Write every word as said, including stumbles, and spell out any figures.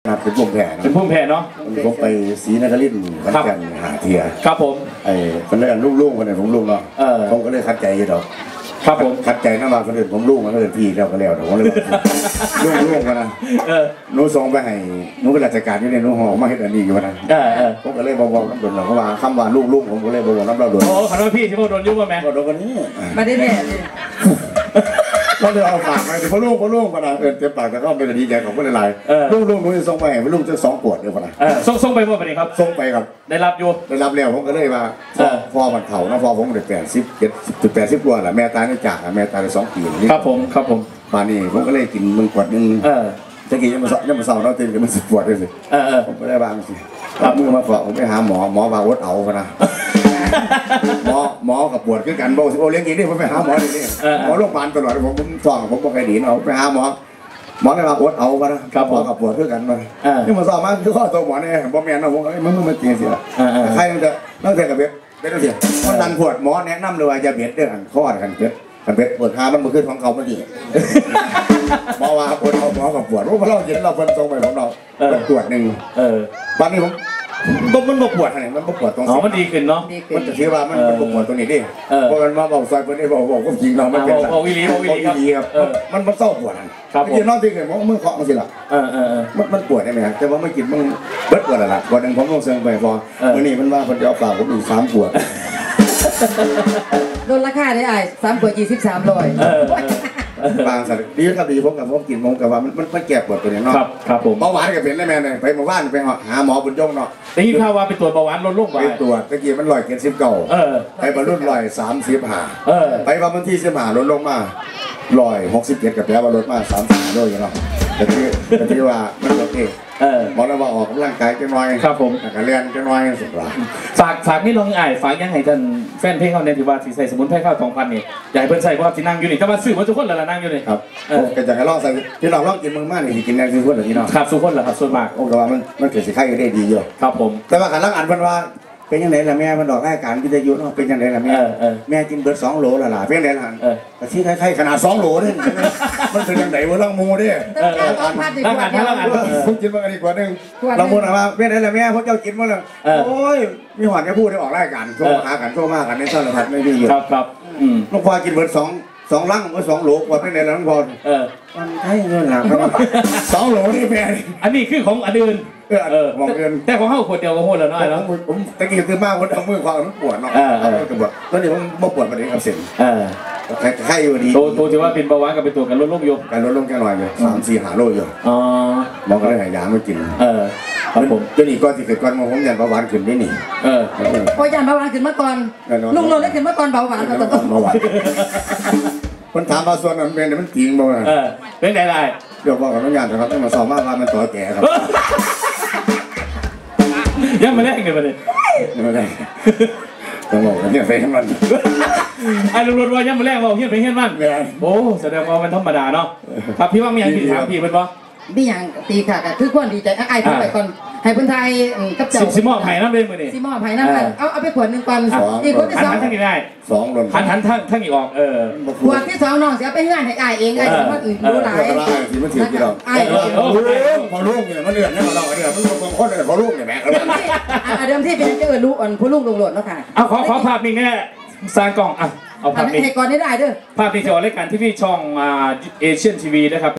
ครับเป็นพุ่มแผ่เป็นพุ่มแผ่เนาะผมไปศรีนครินทร์ขอนแก่นหาเทียครับผมไอ้คนแรกลูกๆคนไหนผมลูกเนาะผมก็เลยคัดใจอยู่ดอกครับผมคัดใจน้ำมาคนอื่นผมลูกมาคนอื่นพี่แล้วก็แล้วผมเลยลูกลูกกันนะหนูส่งไปให้หนูเป็นราชการอยู่ในหนูห่อมาให้อันนี้อยู่นะผมก็เลยบอกบอกน้ำโดนเราเพราะว่าคำว่าลูกลูกผมก็เลยบอกบอกน้ำเราโดนโอ้ขอโทษพี่ที่โดนยุ่งมาไหมโดนคนนี้มาได้แน่เราเลยเอาฝากไปเพราะลูกเพราะลูกกันนะเออเจ็บปากแต่ก็เป็นดีใจของคนหลายลูกลูกหนูจะส่งไปให้ลูกจะสองขวดเดียวกันนะส่งส่งไปเมื่อไหร่ครับส่งไปครับได้รับอยู่ได้รับแล้วผมก็เลยว่าพ่อมันเข่านะพ่อผมเด็กแปดสิบเจ็ดจุดแปดสิบกว่าแหละแม่ตายในจากแม่ตายในสองปีนี่ครับผมครับผมมานี่ผมก็เลยกินมึงขวดนึงจะกินยังมายังมาเศร้าเราตื่นกันมันสิบขวดเลยสิผมก็ได้บางสิรับมือมาฝากผมไปหาหมอหมอบาวดเอาพนะหมอหมอกับปวดคือกันบอกโอเลี้ยงกินนี่ผมไปหาหมอนี่หมอโรงพยาบาลตลอดผมผมฟ้องผมบอกใครหนีเอาไปหาหมอหมอเลยมาอดเอาพนะหมอกับปวดคือกันมาที่มาสอบมาคือข้อตัวหมอเนี่ยบอกแม่นะผมไอ้มึงมึงมาเตียงสิละใครมันจะนั่งเตียงกับเบ็ดเบ็ดนั่งเตียงมันดันปวดหมอแนะนำเลยว่าจะเบ็ดเรื่องข้อกันเบ็ดกันเบ็ดปวดขามันมาขึ้นของเขาเมื่อกี้หมอว่าปวดเอาหมอกับปวดรู้เพราะเราเห็นเราเป็นทรงไปของเราปวดหนึ่งตอนนี้ผมมันมันปวดอะไรมันปวดตรงอ๋อมันดีขึ้นเนาะมันจะเชื่อว่ามันมันปวดตรงนี้ดิเพราะมันมาบอกซอยคนนี้บอกบอกก็จริงเราไม่เป็นไรบอกวิลีบอกวิลีครับมันมันเศร้าปวดครับยืนนอนที่เกิดมันมือเคาะมันสิล่ะเออเออมันมันปวดได้ไหมครับแต่ว่าไม่กินมันเบิดปวดอะไรล่ะวันหนึ่งผมลงเซิงไปพอวันนี้มันว่าคนจะเอาเปล่าผมอีกสามปวดลดราคาได้ไอ้สามขวดยี่สิบสามร้อยบางสัตว์ดีครับดีผมกับผมกินผมกับว่ามันมันแก้ปวดตัวนี้เนาะครับครับผมเบาหวานกับเป็นได้แม่เนี่ยไปหมู่บ้านไปหาหมอบุญยงเนาะได้ยินข่าวว่าไปตรวจเบาหวานลดลงไปตรวจตะกี้มันลอยเกินสิบเก้าไปบรรลุลอยสามสิบห้าไปวันที่สิบห้าลดลงมาลอยหกสิบเจ็ดกับแปลว่าลดมาสามสิบห้าด้วยเนาะแต่ที่แต่ที่ว่ามันโอเคหมอเราว่าออกกำลังกายจะน้อยครับผมการเรียนจะน้อยสุดละฝากฝากนี่ลองอ่านฝากยังไงท่านแฟนเพลงเขาเนี่ยที่ว่าที่ใส่สมุนไพรข้าวทองพันนี่อยากเพิ่นใส่เพราะที่นั่งอยู่นี่ก็มาซื้อมาทุกคนแล้วนั่งอยู่นี่ครับก็จะให้ลองใส่ที่เราลองกินมึงมากนี่กินแรงทุกคนเหรอที่น้องครับทุกคนเหรอครับส่วนมากโอ้ก็ว่ามันมันเกิดสิไข่ได้ดีอยู่ครับผมแต่ว่าการลังอ่านเพิ่นว่าเป็นยังไงล่ะแม่มันดอกรายการวิทยุเนาะเป็นยังไงล่ะแม่แม่กินเบิร์ดสองโลละล่ะเป็นยังไงล่ะแต่ที่ไข่ขนาดสองโลนี่มันเป็นยังไงวะลังมูดิลังอ่านลังอ่านผมกินมากันอีกกว่านึงลังมูนะว่าเป็นยังไงล่ะแม่พวกเจ้ากินมาเลยโอ้ยมีหวานแค่พูดได้ออกรายการโทรหากันโทรมากันในสารพัดไม่ดีอยู่ครับครับลูกพอกินเบิร์ดสองสองลังก็สองโหลกว่าเป็นในลังพอมันใช่เงินหลักสองโหลนี่แม่อันนี้คือของอันอื่นเออเออมองเงินแต่ของเขาขวดเดียวก็หมดแล้วน้อยแล้วผมตะกี้คือมากคนเอามือความมันปวดเนาะปวดตอนนี้ผมไม่ปวดประเด็นกับเส้นไข้อยู่ดีตัวตัวที่ว่าเป็นเบาหวานกับเป็นตัวกันลดลงอยู่การลดลงแค่หน่อยอยู่สามสี่หาโลอยู่อ๋อมองก็ได้หายาไม่กินเออครับผมตัวนี้ก้อนที่เกิดก้อนมองผมยันเบาหวานขึ้นได้หนิเออพอยันเบาหวานขึ้นเมื่อก่อนลุงโลได้ขึ้นเมื่อก่อนเบาหวานเบาหวานคนถามมาส่วนนั้นเป็นมันจริงบ่นะเออเป็นไงได้เดี๋ยวบอกกับน้องยันนะครับต้องมาสอบมากว่ามันต่อแก่ครับยังไม่ได้เงินมาเลยยังไม่ได้ต้องบอกกันเนี่ยไปให้มันไอ้ลุงรถว่ายังไม่แรกบอกเฮียไปเฮียมันโอ้แสดงว่ามันธรรมดาเนาะครับพี่ว่ามีอย่างที่ถามพี่เป็นปะมีอย่างตีค่ะก็คือควรดีใจไอ้ทำไปก่อนให้คนไทยกับเจ้าซิมอไผ่น้ำเล่นมือนี่ซิมอไผ่น้ำเอาเอาไปขวดหนึ่งก่อนอีกคนที่สองทั้งนี้ได้สองคนทันทันทั้งทั้งอีกออกเออขวดที่สองน้องเสียไปเงื่อนให้ไอ้เองไอ้สมมติอื่นรู้หลายที่มันถือที่เราไอ้พอลูกเนี่ยมันเดือดเนี่ยเราเนี่ยมันบางคนเนี่ยพอลูกเนี่ยแม่เดิมที่เป็นเจอรู้อ่อนผู้ลูกลงหลดแล้วค่ะเอาขอขอภาพนี้แน่สร้างกล่องอ่ะเอาภาพนี้ให้ก่อนได้ได้เด้อภาพนี้จะออกรายการที่พี่ช่องเอเชียนทีวีนะครับ